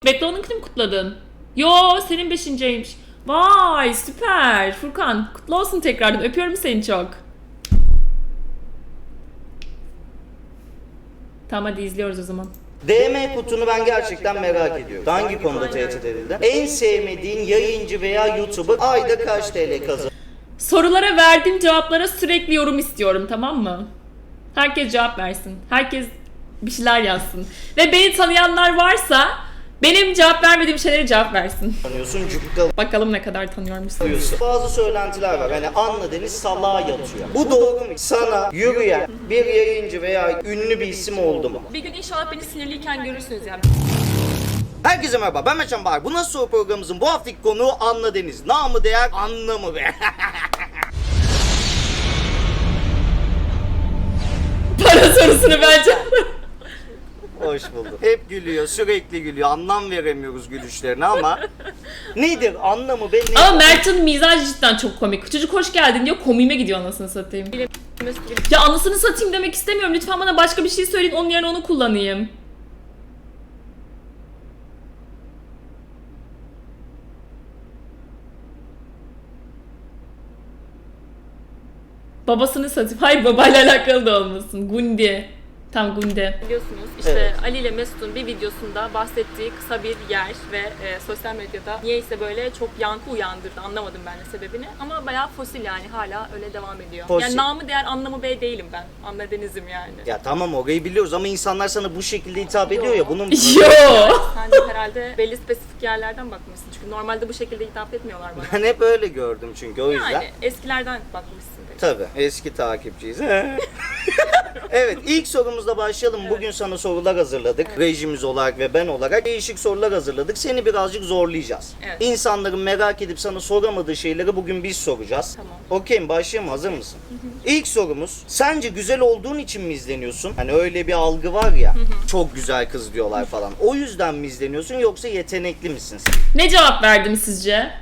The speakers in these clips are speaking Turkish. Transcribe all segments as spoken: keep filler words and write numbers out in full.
Bekle, onunkini mi kutladın? Yo, senin beşinciymiş. Vay süper. Furkan kutlu olsun tekrardan. Öpüyorum seni çok. Tamam hadi izliyoruz o zaman. D M kutunu ben gerçekten merak ediyorum. Hangi konuda tehdit edildi? En sevmediğin yayıncı veya YouTuber ayda kaç T L kazanır? Sorulara verdiğim cevaplara sürekli yorum istiyorum, tamam mı? Herkes cevap versin. Herkes bir şeyler yazsın. Ve beni tanıyanlar varsa benim cevap vermediğim şeylere cevap versin. Tanıyorsun, cukka Bakalım ne kadar tanıyormuşsunuz. alıyorsun. Bazı söylentiler var. Hani Anla Deniz salağa yatıyor. Bu doğru mu? Sana yürüyen bir yayıncı veya ünlü bir isim oldu mu? Bir gün inşallah beni sinirliyken görürsünüz yani. Herkese merhaba, ben Meçhan Bahar. Bu Nasıl Soru programımızın bu haftaki konuğu Anla Deniz. Namı değer anlamı be. Para sorusunu bence. Hoş bulduk. Hep gülüyor, sürekli gülüyor. Anlam veremiyoruz gülüşlerine ama nedir anlamı be? Nedir? Ama Mert'in mizacı cidden çok komik. Çocuk hoş geldin diyor, komiğime gidiyor anasını satayım. Ya anasını satayım demek istemiyorum. Lütfen bana başka bir şey söyleyin, onun yerine onu kullanayım. Babasını satayım. Hayır, babayla alakalı da olmasın. Gundi. Tam Gundi. Biliyorsunuz işte Evet. Ali ile Mesut'un bir videosunda bahsettiği kısa bir yer ve e, sosyal medyada niyeyse böyle çok yankı uyandırdı. Anlamadım ben de sebebini ama bayağı fosil yani hala öyle devam ediyor. Fosil. Yani namı değer anlamı bey değilim ben. Anla Deniz'im yani. Ya tamam orayı biliyoruz ama insanlar sana bu şekilde hitap ediyor ya bunun... Yo. Sen de herhalde belli spesifik yerlerden bakmışsın. Çünkü normalde bu şekilde hitap etmiyorlar bana. Ben hep öyle gördüm çünkü o yüzden. Yani eskilerden bakmışsın. Peki. Tabii eski takipçiyiz. Evet, ilk sorumuzla başlayalım. Bugün sana sorular hazırladık. Rejimiz olarak ve ben olarak değişik sorular hazırladık. Seni birazcık zorlayacağız. Evet. İnsanların merak edip sana soramadığı şeyleri bugün biz soracağız. Tamam. Okey mi? Başlayalım. Hazır mısın? İlk sorumuz, sence güzel olduğun için mi izleniyorsun? Hani öyle bir algı var ya, çok güzel kız diyorlar falan. O yüzden mi izleniyorsun yoksa yetenekli misin sen? Ne cevap verdim sizce?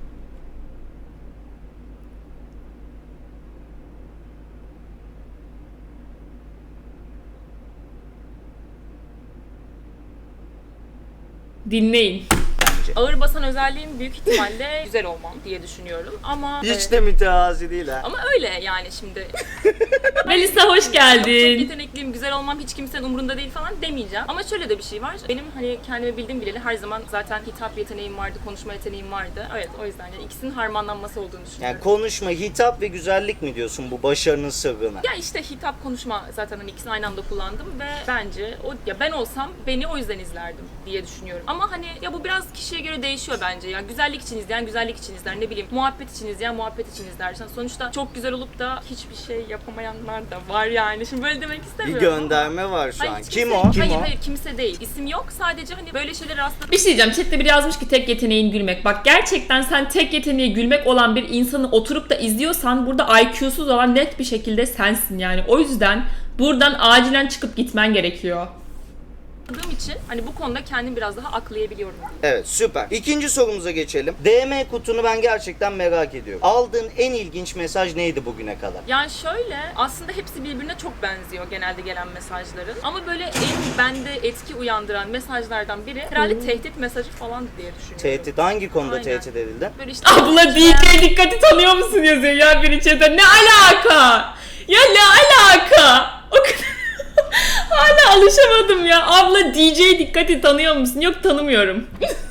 Dinleyin. Bence. Ağır basan özelliğim büyük ihtimalle güzel olmam diye düşünüyorum. Ama Hiç e, de mütevazi değil ha. ama öyle yani şimdi. Melisa hoş Çok geldin. yetenekliyim, güzel olmam hiç kimsenin umurunda değil falan demeyeceğim. Ama şöyle de bir şey var. Benim hani kendimi bildim bileli her zaman zaten hitap yeteneğim vardı, konuşma yeteneğim vardı. Evet o yüzden yani ikisinin harmanlanması olduğunu düşünüyorum. Yani konuşma, hitap ve güzellik mi diyorsun bu başarının sırrına? Ya işte hitap konuşma zaten hani ikisini aynı anda kullandım ve bence o ya ben olsam beni o yüzden izlerdim diye düşünüyorum. Ama hani ya bu biraz kişiye göre değişiyor bence. Ya güzellik için izleyen güzellik için izler, ne bileyim muhabbet için izleyen muhabbet için izler. Sonuçta çok güzel olup da hiçbir şey yapamayanlar da var yani. Şimdi böyle demek Bir istemiyorum. ama- gönderme var şu Hayır, an. hiç Kim kimse- o? Kim hayır o? hayır kimse değil. İsim yok. Sadece hani böyle şeyler rastladım. Bir şey diyeceğim. Chat'te biri yazmış ki tek yeteneğin gülmek. Bak gerçekten sen tek yeteneği gülmek olan bir insanı oturup da izliyorsan burada I Q'suz olan net bir şekilde sensin yani. O yüzden buradan acilen çıkıp gitmen gerekiyor. için hani bu konuda kendim biraz daha aklayabiliyorum. Evet, süper. İkinci sorumuza geçelim. D M kutunu ben gerçekten merak ediyorum. Aldığın en ilginç mesaj neydi bugüne kadar? Yani şöyle aslında hepsi birbirine çok benziyor genelde gelen mesajların. Ama böyle en bende etki uyandıran mesajlardan biri herhalde tehdit mesajı falan diye düşünüyorum. Tehdit hangi konuda Aynen. tehdit edildin? Böyle işte Abla D J dikkati tanıyor musun yazıyor ya biri chat'e. Ne alaka? Ya ne alaka? O kadar... Hala alışamadım ya. Abla D J dikkati tanıyor musun? Yok tanımıyorum.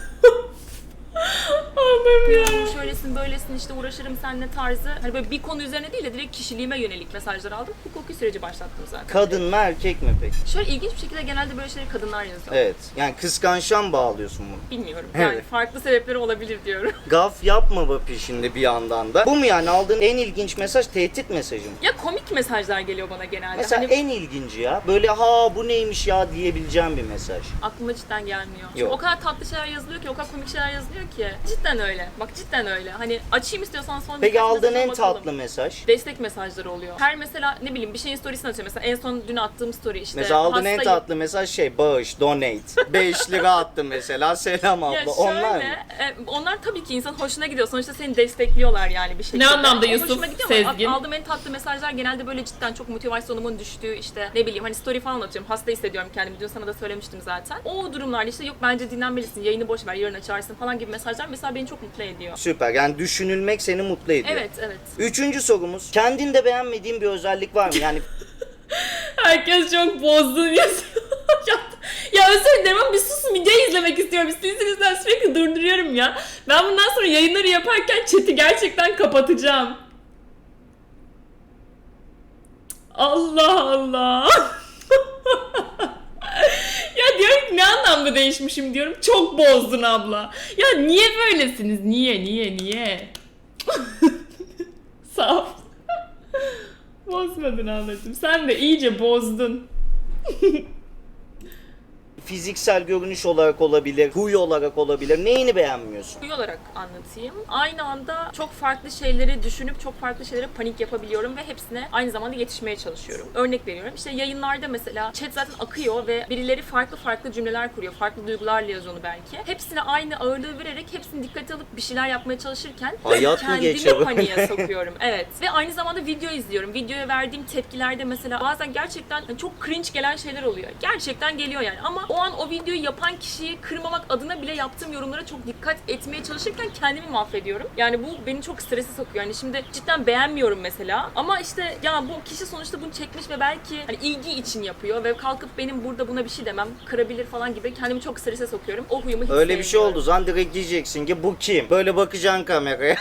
Allah'ım ya. şöylesin böylesin işte uğraşırım seninle tarzı. Hani böyle bir konu üzerine değil de direkt kişiliğime yönelik mesajlar aldım. Hukuki süreci başlattım zaten. Kadın mı erkek mi peki? Şöyle ilginç bir şekilde genelde böyle şeyleri kadınlar yazıyor. Evet. Yani kıskançtan mı bağlıyorsun bunu? Bilmiyorum. Yani Evet. farklı sebepleri olabilir diyorum. Gaf yapma bu peşinde bir yandan da. Bu mu yani aldığın en ilginç mesaj tehdit mesajı mı? Ya komik mesajlar geliyor bana genelde. Mesela hani en ilginci ya. Böyle ha bu neymiş ya diyebileceğim bir mesaj. aklıma cidden gelmiyor. Çünkü Yok. o kadar tatlı şeyler yazılıyor ki, o kadar komik şeyler yazılıyor ki. Cidden öyle öyle. Bak cidden öyle. Hani açayım istiyorsan son Peki birkaç aldığın mesajına en bakalım. tatlı mesaj? Destek mesajları oluyor. Her mesela ne bileyim bir şeyin storiesini atıyor. Mesela en son dün attığım story işte. Mesela aldığın en hastayım. tatlı mesaj şey bağış, donate. beş lira attım mesela, selam abla. Ya şöyle, Onlar mı? e, onlar tabii ki insan hoşuna gidiyor. Sonuçta seni destekliyorlar yani bir şekilde. Ne anlamda O Yusuf hoşuma gidiyor ama Sezgin? aldığım en tatlı mesajlar genelde böyle cidden çok motivasyonumun düştüğü işte ne bileyim hani story falan atıyorum. Hasta hissediyorum kendimi. Dün sana da söylemiştim zaten. O durumlarda işte yok bence dinlenmelisin, yayını boş ver, yarın açarsın falan gibi mesajlar mesela beni çok mutlu ediyor. Süper, yani düşünülmek seni mutlu ediyor. Evet, evet. Üçüncü sorumuz, kendinde beğenmediğin bir özellik var mı? Yani Herkes çok bozdun yazıyor. ya, ya özür dilerim ama bir susun, video izlemek istiyorum. Sizin yüzünden sürekli durduruyorum ya. Ben bundan sonra yayınları yaparken chat'i gerçekten kapatacağım. Allah Allah. Ya diyorum ki ne anlamda değişmişim diyorum. Çok bozdun abla. Ya niye böylesiniz? Niye niye niye? Sağ ol. Bozmadın ablacığım. Sen de iyice bozdun. fiziksel görünüş olarak olabilir, huy olarak olabilir. Neyini beğenmiyorsun? Huy olarak anlatayım. Aynı anda çok farklı şeyleri düşünüp çok farklı şeylere panik yapabiliyorum ve hepsine aynı zamanda yetişmeye çalışıyorum. Örnek veriyorum. İşte yayınlarda mesela chat zaten akıyor ve birileri farklı farklı cümleler kuruyor. Farklı duygularla yazıyor onu belki. Hepsine aynı ağırlığı vererek hepsini dikkate alıp bir şeyler yapmaya çalışırken Hayat mı kendimi geçiyor? paniğe sokuyorum. Evet. Ve aynı zamanda video izliyorum. Videoya verdiğim tepkilerde mesela bazen gerçekten çok cringe gelen şeyler oluyor. Gerçekten geliyor yani ama o an o videoyu yapan kişiyi kırmamak adına bile yaptığım yorumlara çok dikkat etmeye çalışırken kendimi mahvediyorum. Yani bu beni çok strese sokuyor. Yani şimdi cidden beğenmiyorum mesela ama işte ya bu kişi sonuçta bunu çekmiş ve belki hani ilgi için yapıyor ve kalkıp benim burada buna bir şey demem kırabilir falan gibi kendimi çok strese sokuyorum. O huyumu hiç Öyle bir şey sevmiyorum. oldu zaman direkt diyeceksin ki bu kim? Böyle bakacaksın kameraya.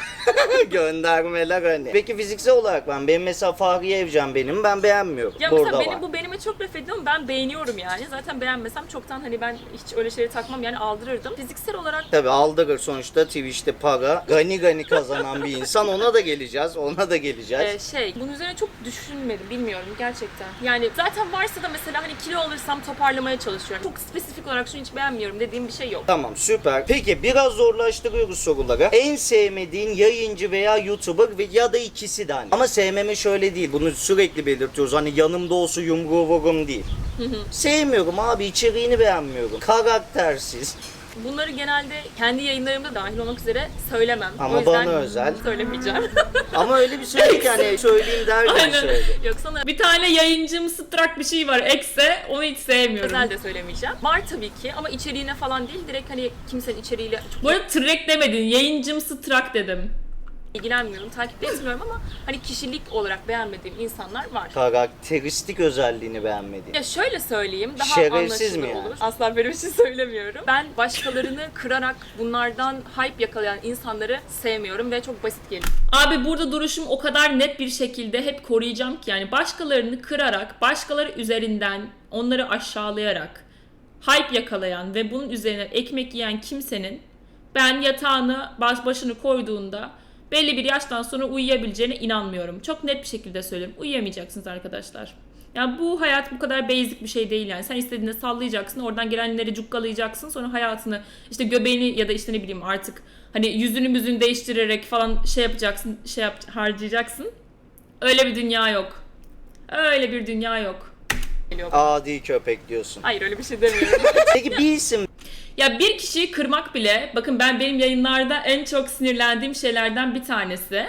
Göndermeler hani. Peki fiziksel olarak ben, benim mesela Fahriye Evcen benim, ben beğenmiyorum. Ya Burada mesela var. beni, bu benime çok laf ediyor ama ben beğeniyorum yani. Zaten beğenmesem çoktan hani ben hiç öyle şeyleri takmam yani aldırırdım. Fiziksel olarak Tabii aldırır sonuçta, Twitch'te para gani gani kazanan bir insan, ona da geleceğiz, ona da geleceğiz. e, şey bunun üzerine çok düşünmedim bilmiyorum gerçekten. Yani zaten varsa da mesela hani kilo alırsam toparlamaya çalışıyorum. Çok spesifik olarak şunu hiç beğenmiyorum dediğim bir şey yok. Tamam, süper. Peki biraz zorlaştırıyoruz soruları. En sevmediğin yayıncı veya YouTuber ve ya da ikisi de hani. Ama sevmeme şöyle değil, bunu sürekli belirtiyoruz. Hani yanımda olsa yumruğu vururum değil. Sevmiyorum abi, içeriğini beğenmiyorum. Karaktersiz. Bunları genelde kendi yayınlarımda dahil olmak üzere söylemem. Ama o yüzden bana özel. söylemeyeceğim. Ama öyle bir söyledi ki hani söyleyeyim derken Aynen. söyledi. Yoksa Bir tane yayıncım strak bir şey var. Ekse onu hiç sevmiyorum. özel de söylemeyeceğim. Var tabii ki ama içeriğine falan değil. Direkt hani kimsenin içeriğiyle çok Bu arada trek demedin. Yayıncım strak dedim. ilgilenmiyorum, takip de etmiyorum ama hani kişilik olarak beğenmediğim insanlar var. Karakteristik özelliğini beğenmediğin. Ya şöyle söyleyeyim, daha Şerefsiz mi anlaşılır yani? olur. Asla böyle bir şey söylemiyorum. Ben başkalarını kırarak bunlardan hype yakalayan insanları sevmiyorum ve çok basit geliyor. Abi burada duruşum o kadar net bir şekilde hep koruyacağım ki yani başkalarını kırarak, başkaları üzerinden onları aşağılayarak hype yakalayan ve bunun üzerine ekmek yiyen kimsenin ben yatağını baş başını koyduğunda belli bir yaştan sonra uyuyabileceğine inanmıyorum. Çok net bir şekilde söylüyorum. Uyuyamayacaksınız arkadaşlar. Yani bu hayat bu kadar basic bir şey değil yani. Sen istediğinde sallayacaksın, oradan gelenleri cukkalayacaksın. Sonra hayatını işte göbeğini ya da işte ne bileyim artık hani yüzünü müzünü değiştirerek falan şey yapacaksın, şey yap, harcayacaksın. Öyle bir dünya yok. Öyle bir dünya yok. geliyor. Adi köpek diyorsun. Hayır öyle bir şey demiyorum. Peki bir isim Ya bir kişiyi kırmak bile, bakın ben benim yayınlarda en çok sinirlendiğim şeylerden bir tanesi.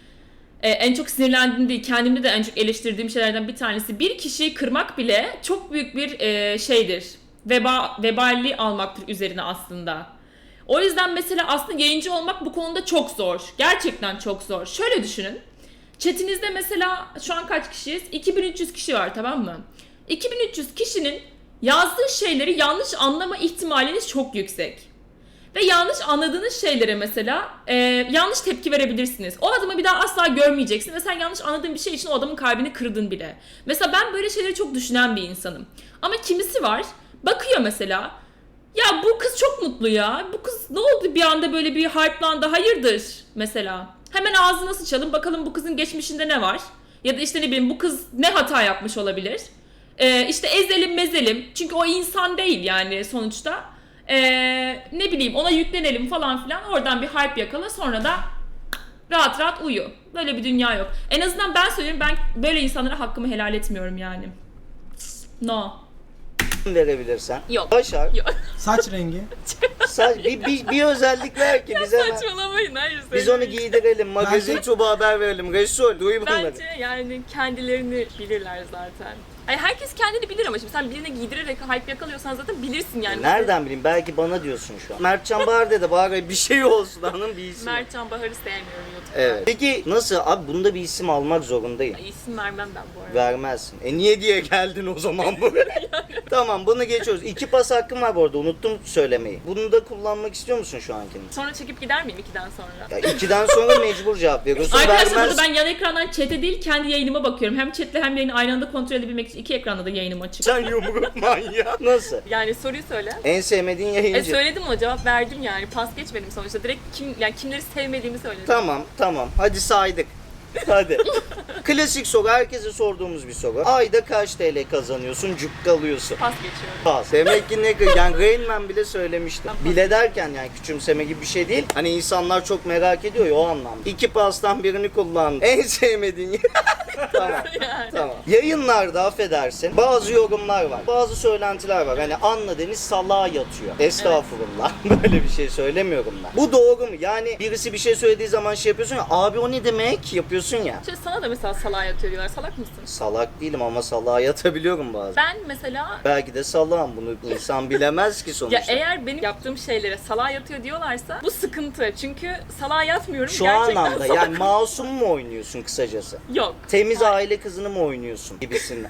Ee, en çok sinirlendiğim değil, kendimde de en çok eleştirdiğim şeylerden bir tanesi. Bir kişiyi kırmak bile çok büyük bir e, şeydir. Veba, veballi almaktır üzerine aslında. O yüzden mesela aslında yayıncı olmak bu konuda çok zor. Gerçekten çok zor. Şöyle düşünün. Chat'inizde mesela şu an kaç kişiyiz? iki bin üç yüz kişi var, tamam mı? iki bin üç yüz kişinin yazdığı şeyleri yanlış anlama ihtimaliniz çok yüksek. Ve yanlış anladığınız şeylere mesela e, yanlış tepki verebilirsiniz. O adamı bir daha asla görmeyeceksin ve sen yanlış anladığın bir şey için o adamın kalbini kırdın bile. Mesela ben böyle şeyleri çok düşünen bir insanım. Ama kimisi var, bakıyor mesela, ya bu kız çok mutlu ya, bu kız ne oldu bir anda böyle bir hype'landı, hayırdır mesela. Hemen ağzına sıçalım, bakalım bu kızın geçmişinde ne var? Ya da işte ne bileyim bu kız ne hata yapmış olabilir? Ee, işte ezelim mezelim, çünkü o insan değil yani sonuçta. Ee, ne bileyim ona yüklenelim falan filan, oradan bir hype yakala, sonra da rahat rahat uyu. Böyle bir dünya yok. En azından ben söylüyorum, ben böyle insanlara hakkımı helal etmiyorum yani. No. verebilirsen. Yok. Başar. Yok. Saç rengi. Saç, bir, bir, bir özellik ver ki bize. hemen- Saçmalamayın, hayır. Biz onu söylemeyin. giydirelim. Magazin Bence- Tuba haber verelim. Resul duy bunları. Bence yani kendilerini bilirler zaten. Ay herkes kendini bilir ama şimdi sen birine giydirerek hype yakalıyorsan zaten bilirsin yani. Nereden bileyim? Belki bana diyorsun şu an. Mertcan Bahar dedi. Bari bir şey olsun hanım, bir isim. Mertcan Bahar'ı sevmiyorum YouTube'da. Evet. Peki nasıl? Abi bunda bir isim almak zorundayım. Ay, isim vermem ben bu arada. Vermezsin. E niye diye geldin o zaman buraya? Tamam, bunu geçiyoruz. İki pas hakkım var bu arada, unuttum söylemeyi. Bunu da kullanmak istiyor musun şu ankini? Sonra çekip gider miyim ikiden sonra? Ya ikiden sonra mecbur cevap veriyorsun. Arkadaşlar Vermez. burada ben yan ekrandan chat'e değil kendi yayınıma bakıyorum. Hem chat'le hem yayını aynı anda kontrol edebilmek için iki ekranda da yayınım açık. Sen yumruk manyağı. Nasıl? Yani soruyu söyle. En sevmediğin E yayıncı. söyledim o cevap verdim yani. Pas geçmedim sonuçta. Direkt kim yani kimleri sevmediğimi söyledim. Tamam tamam, hadi saydık. Hadi. Klasik soru, herkese sorduğumuz bir soru. Ayda kaç T L kazanıyorsun, cukkalıyorsun? Pas geçiyorum. Pas. Demek ki ne, yani Rain Man bile söylemiştim. Bile derken yani küçümseme gibi bir şey değil. Hani insanlar çok merak ediyor ya, o anlamda. İki pastan birini kullandın. En sevmediğin Tamam. Yani. Tamam. Yayınlarda affedersin bazı yorumlar var. Bazı söylentiler var. Hani Anla Deniz salağa yatıyor. Estağfurullah. Böyle bir şey söylemiyorum ben. Bu doğru mu? Yani birisi bir şey söylediği zaman şey yapıyorsun ya. Abi o ne demek? Yapıyorsun ya. Şimdi sana da mesela salağa yatıyor diyorlar. Salak mısın? Salak değilim ama salağa yatabiliyorum bazen. Ben mesela Belki de salağım, bunu insan bilemez ki sonuçta. ya eğer benim yaptığım şeylere salağa yatıyor diyorlarsa bu sıkıntı. Çünkü salağa yatmıyorum. Şu Gerçekten anlamda salak- yani masum mu oynuyorsun kısacası? Yok. Temiz aile kızını mı oynuyorsun gibisinden.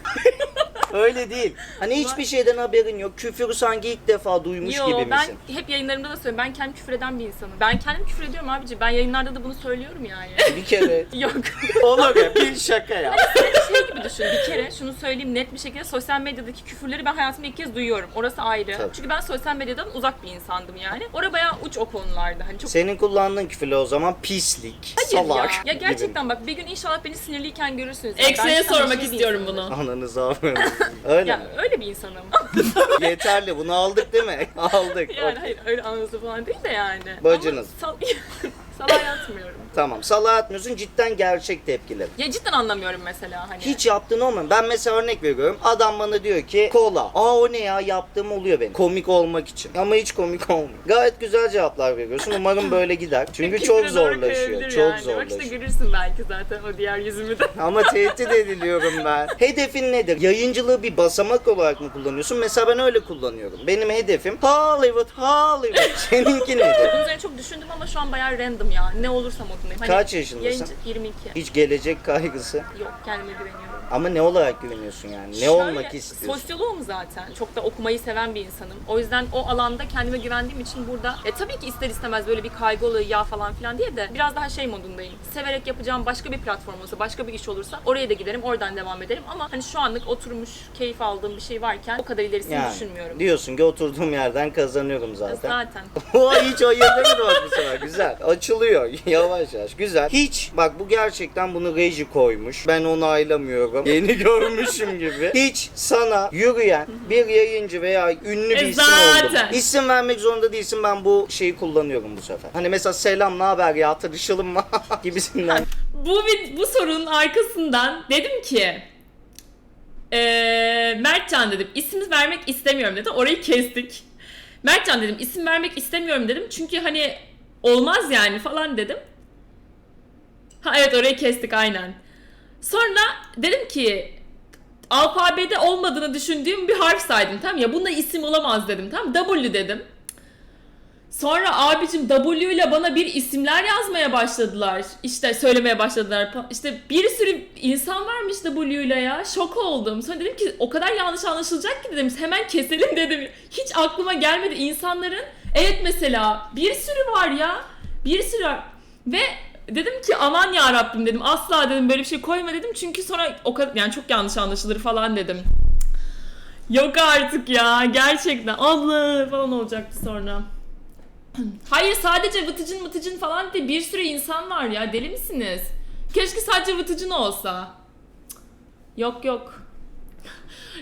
Öyle değil. Hani hiçbir şeyden haberin yok. Küfürü sanki ilk defa duymuş Yo, gibi ben misin? hep yayınlarımda da söylüyorum. Ben kendim küfür eden bir insanım. Ben kendim küfür ediyorum abici. Ben yayınlarda da bunu söylüyorum yani. Bir kere Yok. olur ya, bir şaka ya. Şey gibi düşün. Bir kere şunu söyleyeyim net bir şekilde, sosyal medyadaki küfürleri ben hayatımda ilk kez duyuyorum. Orası ayrı. Tabii. Çünkü ben sosyal medyadan uzak bir insandım yani. Orada bayağı uç o konularda. Hani çok Senin kullandığın küfürler o zaman pislik, Hayır salak ya. Ya gibi. gerçekten bak bir gün inşallah beni sinirliyken görürsünüz. Ya. Ekse'ye Ben cidden sormak şey bir istiyorum insanım. bunu. Ananızı avradınız. Öyle Ya mi? öyle bir insanım. Yeterli, bunu aldık değil mi? Aldık. yani Okey. hayır öyle anızı falan değil de yani. Bacınız. Ama sal salağa yatmıyorum. Tamam, salağa atmıyorsun, cidden gerçek tepkiler. Ya cidden anlamıyorum mesela hani. Hiç yaptığın olmuyor. Ben mesela örnek veriyorum. Adam bana diyor ki kola. Aa o ne ya, yaptığım oluyor benim. Komik olmak için. Ama hiç komik olmuyor. Gayet güzel cevaplar veriyorsun. Umarım böyle gider. Çünkü Küfüre çok doğru zorlaşıyor. kayabilir Çok yani. Bak zorlaşıyor. işte görürsün belki zaten o diğer yüzümü de. Ama tehdit ediliyorum ben. Hedefin nedir? Yayıncılığı bir basamak olarak mı kullanıyorsun? Mesela ben öyle kullanıyorum. Benim hedefim Hollywood, Hollywood. Seninki nedir? Bunun üzerine çok düşündüm ama şu an bayağı random ya. Ne olursam modundayım. Hani Kaç yaşındasın? Yayıncı yirmi iki. Hiç gelecek kaygısı. Yok kendime güveniyorum. Ama ne olarak güveniyorsun yani? Ne Şöyle, olmak istiyorsun? Sosyoloğum zaten. Çok da okumayı seven bir insanım. O yüzden o alanda kendime güvendiğim için burada e, tabii ki ister istemez böyle bir kaygı oluyor ya falan filan diye de biraz daha şey modundayım. Severek yapacağım başka bir platform olsa, başka bir iş olursa oraya da giderim, oradan devam ederim. Ama hani şu anlık oturmuş, keyif aldığım bir şey varken o kadar ilerisini Yani düşünmüyorum. diyorsun ki oturduğum yerden kazanıyorum zaten. Zaten. O hiç ayırdın bak bu sefer. Güzel. Açılıyor. Yavaş yavaş. Güzel. Hiç bak, bu gerçekten bunu reji koymuş. Ben onaylamıyorum. Yeni görmüşüm gibi. Hiç sana yürüyen bir yayıncı veya ünlü bir E isim oldu. zaten. İsim vermek zorunda değilsin. Ben bu şeyi kullanıyorum bu sefer. Hani mesela selam, ne haber ya, tanışalım mı gibisinden. Bu vid- bu sorunun arkasından dedim ki eee Mertcan dedim, isim vermek istemiyorum dedim. Orayı kestik. Mertcan dedim, isim vermek istemiyorum dedim. Çünkü hani olmaz yani falan dedim. Ha evet, orayı kestik aynen. Sonra dedim ki alfabede olmadığını düşündüğüm bir harf saydım, tamam ya, bunda isim olamaz dedim, tamam, W dedim. Sonra abicim W ile bana bir isimler yazmaya başladılar. İşte söylemeye başladılar. İşte bir sürü insan varmış W ile ya. Şok oldum. Sonra dedim ki o kadar yanlış anlaşılacak ki dedim. Hemen keselim dedim. Hiç aklıma gelmedi insanların. Evet mesela bir sürü var ya. Bir sürü var. Ve dedim ki aman ya Rabbim dedim. Asla dedim böyle bir şey koyma dedim. Çünkü sonra o kadar yani çok yanlış anlaşılır falan dedim. Yok artık ya. Gerçekten. Allah falan olacaktı sonra. Hayır, sadece vıtıcın vıtıcın falan diye bir sürü insan var ya, deli misiniz? Keşke sadece vıtıcın olsa. Cık. Yok yok.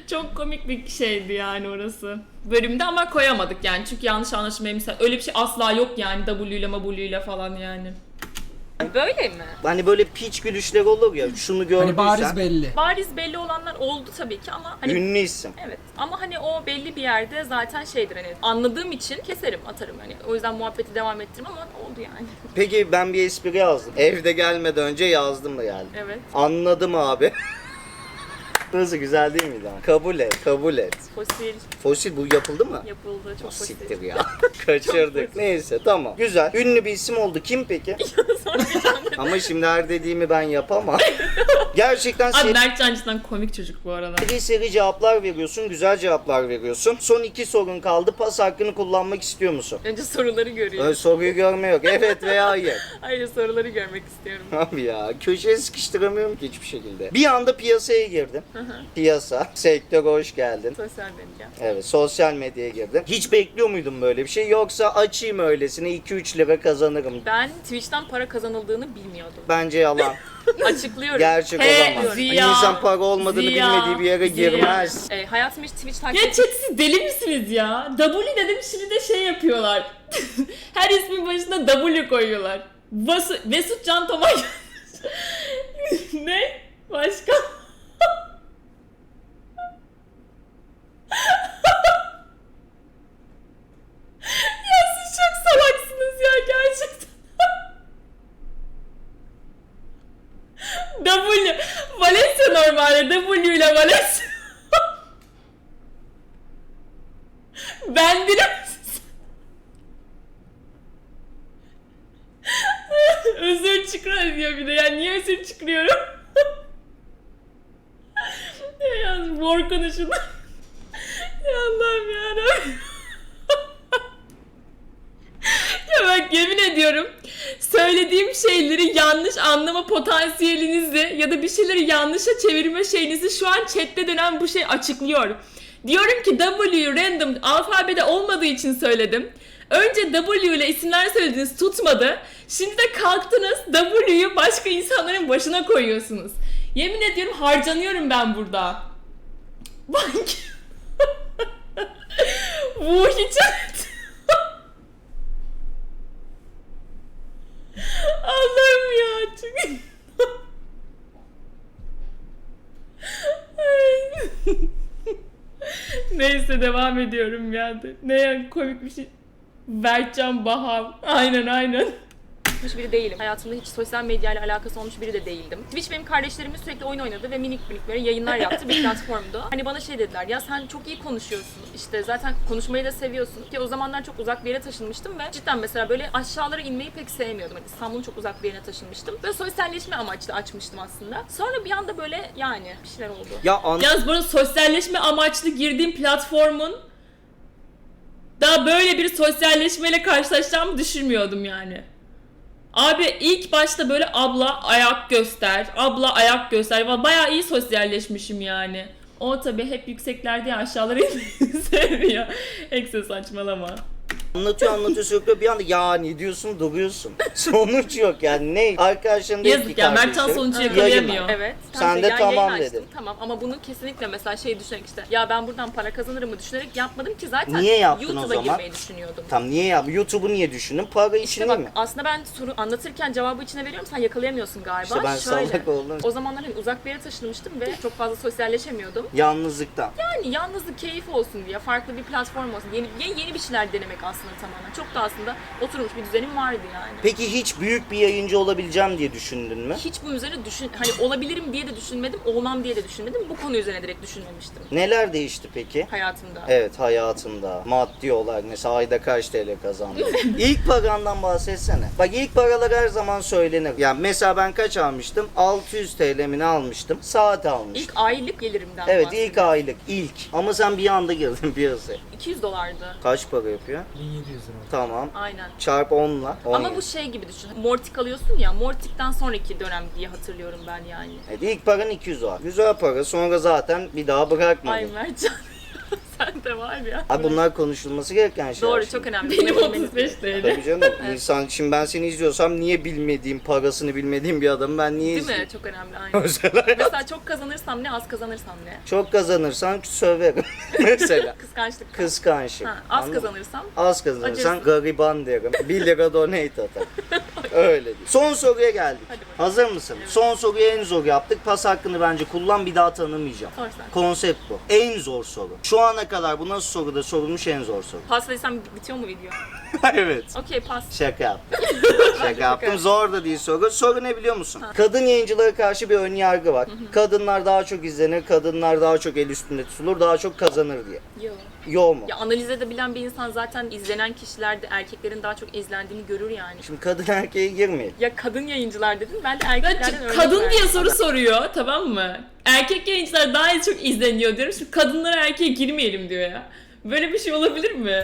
Çok komik bir şeydi yani orası. Bölümde ama koyamadık yani çünkü yanlış anlaşılmaya misal öyle bir şey asla yok yani W ile W ile falan yani. Böyle mi? Hani böyle piç gülüşler olur ya, şunu gördüysen. Hani bariz belli. Bariz belli olanlar oldu tabii ki ama hani Ünlü isim. evet ama hani o belli bir yerde zaten şeydir hani anladığım için keserim atarım hani o yüzden muhabbeti devam ettiririm ama oldu yani. Peki ben bir espri yazdım. Evde gelmeden önce yazdım da geldim. Evet. Anladım abi. Nasıl, güzel değil miydi abi? Kabul et, kabul et. Fosil Fosil bu yapıldı mı? yapıldı çok fosil. Siktir ya. Kaçırdık. Neyse tamam. Güzel. Ünlü bir isim oldu. Kim peki? Ama şimdi her dediğimi ben yapamam. Gerçekten Abi seri Mert Cancı'dan komik çocuk bu arada. seri cevaplar veriyorsun. Güzel cevaplar veriyorsun. Son iki sorun kaldı. Pas hakkını kullanmak istiyor musun? Önce soruları görüyorum. Öyle soruyu görme yok. Evet veya hayır. Hayır soruları görmek istiyorum. Abi ya köşeye sıkıştıramıyorum ki hiçbir şekilde. Bir anda piyasaya girdim. Piyasa, sektör hoş geldin. Sosyal medya. Evet, sosyal medyaya girdim. Hiç bekliyor muydun böyle bir şey? Yoksa açayım öylesine iki üç lira kazanırım. Ben Twitch'ten para kazanıldığını bilmiyordum. Bence yalan. Açıklıyorum. Gerçek He, olamaz. Ziya, İnsan para olmadığını Ziya, bilmediği bir yere Ziya. girmez. E, hayatım hiç Twitch takip Ya chat siz deli misiniz ya? W dedim şimdi de şey yapıyorlar. Her ismin başına W koyuyorlar. Vasu, Vesut Can Tomay. Ne? Başka? Ya siz çok salaksınız ya gerçekten. W. Valencia normalde W ile Valencia. Ben biraz özür çıkar diyor bir de. Yani niye özür çıkıyorum? Ya yalnız mor konuşun. Ya Allah'ım yarabbim. Ya bak yemin ediyorum söylediğim şeyleri yanlış anlama potansiyelinizi ya da bir şeyleri yanlışa çevirme şeyinizi şu an chatte dönen bu şey açıklıyor. Diyorum ki W random alfabede olmadığı için söyledim. Önce W ile isimler söylediniz tutmadı. Şimdi de kalktınız W'yu başka insanların başına koyuyorsunuz. Yemin ediyorum harcanıyorum ben burada. Bak. Bu hiç Allah'ım ya çünkü neyse devam ediyorum ya. Ne ya komik bir şey. Berkcan Bahar. Aynen aynen. biri değilim. Hayatımda hiç sosyal medya ile alakası olmuş biri de değildim. Twitch benim kardeşlerimin sürekli oyun oynadı ve minik minik böyle yayınlar yaptı bir platformdu. Hani bana şey dediler ya sen çok iyi konuşuyorsun. İşte zaten konuşmayı da seviyorsun. Ki o zamanlar çok uzak bir yere taşınmıştım ve cidden mesela böyle aşağılara inmeyi pek sevmiyordum. Hani İstanbul'un çok uzak bir yerine taşınmıştım. Böyle sosyalleşme amaçlı açmıştım aslında. Sonra bir anda böyle yani bir şeyler oldu. Ya an Yalnız burada sosyalleşme amaçlı girdiğim platformun daha böyle bir sosyalleşmeyle karşılaşacağımı düşünmüyordum yani. Abi ilk başta böyle abla ayak göster, abla ayak göster. Bayağı iyi sosyalleşmişim yani. O tabii hep yükseklerde ya aşağılara inmeyi sevmiyor. Ekse saçmalama. anlatıyor anlatıyor sürekli bir anda yani diyorsun duruyorsun. Sonuç yok yani ne? Arkadaşların değil ki Yazık ya Mertcan kardeşlerim. sonucu Yayın yakalayamıyor. var. Evet. Sen işte de ya tamam yayın açtım, dedin. Tamam ama bunu kesinlikle mesela şey düşünerek işte ya ben buradan para kazanırım mı düşünerek yapmadım ki zaten Niye yaptın o YouTube'a zaman? girmeyi düşünüyordum. Tam niye yap? YouTube'u niye düşündün? Para için İşte değil bak mi? aslında ben soru anlatırken cevabı içine veriyorum sen yakalayamıyorsun galiba. İşte ben Şöyle, salak oldum. o zamanlar hani uzak bir yere taşınmıştım ve çok fazla sosyalleşemiyordum. Yalnızlıktan. Yani yalnızlık keyif olsun diye farklı bir platform olsun. Yeni, yeni, yeni bir şeyler denemek aslında tamamen. Çok da aslında oturmuş bir düzenim vardı yani. Peki hiç büyük bir yayıncı olabileceğim diye düşündün mü? Hiç bu üzerine düşün, hani olabilirim diye de düşünmedim, olmam diye de düşünmedim. Bu konu üzerine direkt düşünmemiştim Neler değişti peki? hayatımda. Evet hayatında maddi olarak mesela ayda kaç T L kazandın? İlk parandan bahsetsene. Bak ilk paralar her zaman söylenir. Yani mesela ben kaç almıştım? altı yüz T L mi ne almıştım? Saat almıştım. İlk aylık gelirimden Evet bahsediyorum. ilk aylık ilk. Ama sen bir anda girdin piyasaya. iki yüz dolardı. Kaç para yapıyor? bin yedi yüz lira. Tamam. Aynen. Çarp onla. on Ama yedi. bu şey gibi düşün. Mortik alıyorsun ya, Mortik'ten sonraki dönem diye hatırlıyorum ben yani. Evet, ilk paran iki yüz var. Güzel para. Sonra zaten bir daha bırakmadın. Ay Mertcan. Bende var ya. Abi bunlar konuşulması gereken şeyler. Doğru, şimdi. çok önemli. Benim Bunu otuz bilmeniz beş gerekiyor. T L. Tabii canım. İnsan, şimdi ben seni izliyorsam niye bilmediğim, parasını bilmediğim bir adamı ben niye Değil izleyeyim? mi? Çok önemli. Aynen. Mesela Mesela çok kazanırsam ne, az kazanırsam ne? çok kazanırsan söverim. Mesela. Kıskançlık. Kıskançlık. Ha, az Anladın mı? kazanırsam Az kazanırsan Acırsın. gariban derim. bir lira donate atar. Öyle değil. Son soruya geldik. Hadi bakalım. Hazır mısın? Son soruyu en zor yaptık. Pas hakkını bence kullan, bir daha tanımayacağım. Sor sen. Konsept bu. En zor soru. Şu ana kadar bu nasıl soruda sorulmuş en zor soru. Paslaysam bitiyor mu video? Evet. Okey, pas. Şaka yaptım. Şaka yaptım. Zor da değil soru. Soru ne biliyor musun? Kadın yayıncılara karşı bir ön yargı var. Kadınlar daha çok izlenir, kadınlar daha çok el üstünde tutulur, daha çok kazanır diye. Yok. Yo mu? Ya analiz edebilen bir insan zaten izlenen kişilerde erkeklerin daha çok izlendiğini görür yani. Şimdi kadın erkeğe girmeyelim. Ya kadın yayıncılar dedin, ben de Ya erkeklerden örnek kadın verdim. diye soru soruyor, tamam mı? Erkek yayıncılar daha az çok izleniyor diyorum. Şimdi kadınlara erkeğe girmeyelim diyor ya. Böyle bir şey olabilir mi?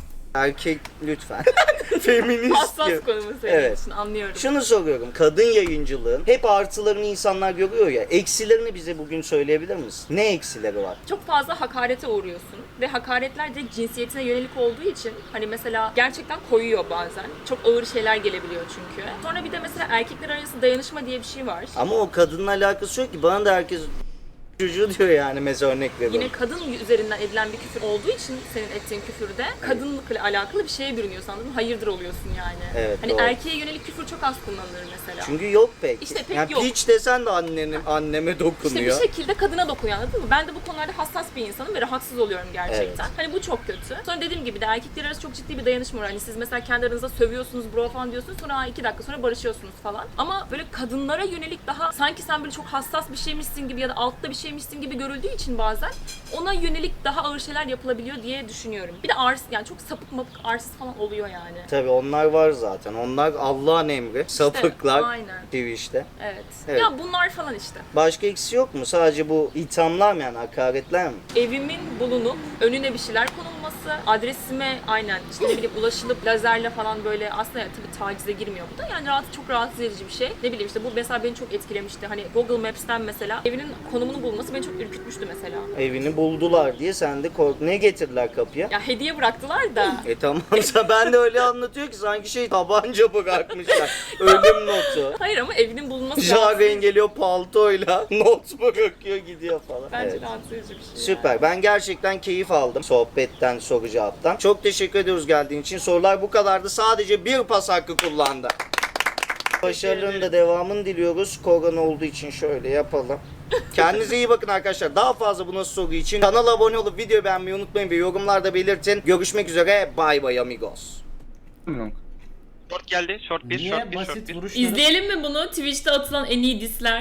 Erkek lütfen. Feminist Hassas gibi. konu mu senin Evet. için, anlıyorum. Şunu soruyorum. Kadın yayıncılığın hep artılarını insanlar görüyor ya. Eksilerini bize bugün söyleyebilir misin? Ne eksileri var? Çok fazla hakarete uğruyorsun ve hakaretler de cinsiyetine yönelik olduğu için hani mesela gerçekten koyuyor bazen. Çok ağır şeyler gelebiliyor çünkü. Sonra bir de mesela erkekler arası dayanışma diye bir şey var. Ama o kadınla alakası yok ki. Bana da herkes çocuğu diyor yani, mesela örnek veriyorum. Yine kadın üzerinden edilen bir küfür olduğu için senin ettiğin küfürde kadınlıkla alakalı bir şeye bürünüyorsun, anladın mı? Hayırdır oluyorsun yani. Evet, hani doğru. erkeğe yönelik küfür çok az kullanılır mesela. Çünkü yok pek. İşte pek yani yok. piç desen de annenin, anneme İşte dokunuyor. bir şekilde kadına dokunuyor, anladın mı? Ben de bu konularda hassas bir insanım ve rahatsız oluyorum gerçekten. Evet. Hani bu çok kötü. Sonra dediğim gibi de erkekler arası çok ciddi bir dayanışma var. Hani siz mesela kendi aranızda sövüyorsunuz, bro falan diyorsunuz, sonra "Aa, iki dakika sonra barışıyorsunuz falan. Ama böyle kadınlara yönelik daha sanki sen böyle çok hassas bir şeymişsin gibi ya da altta bir şeymişsin gibi görüldüğü için bazen ona yönelik daha ağır şeyler yapılabiliyor diye düşünüyorum. Bir de arsız, yani çok sapık mapık arsız falan oluyor yani. Tabii onlar var zaten. Onlar Allah'ın emri. Sapıklar. aynen. Twitch'te. Evet. Evet. Ya bunlar falan işte. Başka eksi yok mu? Sadece bu ithamlar mı yani, hakaretler mi? Evimin bulunup önüne bir şeyler konulması, adresime aynen işte ne bileyim ulaşılıp lazerle falan böyle, aslında yani tabii tacize girmiyor bu da, yani rahat, çok rahatsız edici bir şey. Ne bileyim işte bu mesela beni çok etkilemişti. Hani Google Maps'ten mesela evinin konumunu bulması beni çok ürkütmüştü mesela. Evini buldular diye sen de kork. Ne getirdiler kapıya? Ya hediye bıraktılar da. E tamamsa ben de öyle anlatıyor ki sanki şey tabanca bırakmışlar. Ölüm notu. Hayır ama evinin bulunması Jaren geliyor paltoyla not bırakıyor gidiyor falan. bence Evet. rahatsız edici bir şey. ya. Süper. Ben gerçekten keyif aldım sohbetten, soru cevaptan. Çok teşekkür ediyoruz geldiğin için. Sorular bu kadardı. Sadece bir pas hakkı kullandı. Başarıların da devamını diliyoruz. Korona olduğu için şöyle yapalım. Kendinize iyi bakın arkadaşlar. Daha fazla bu nasıl soru için kanala abone olup videoyu beğenmeyi unutmayın ve yorumlarda belirtin. Görüşmek üzere. Bye bye amigos. Short geldi. Short bir, Niye short bir, short basit bir. vuruşları İzleyelim mi bunu? Twitch'te atılan en iyi disler.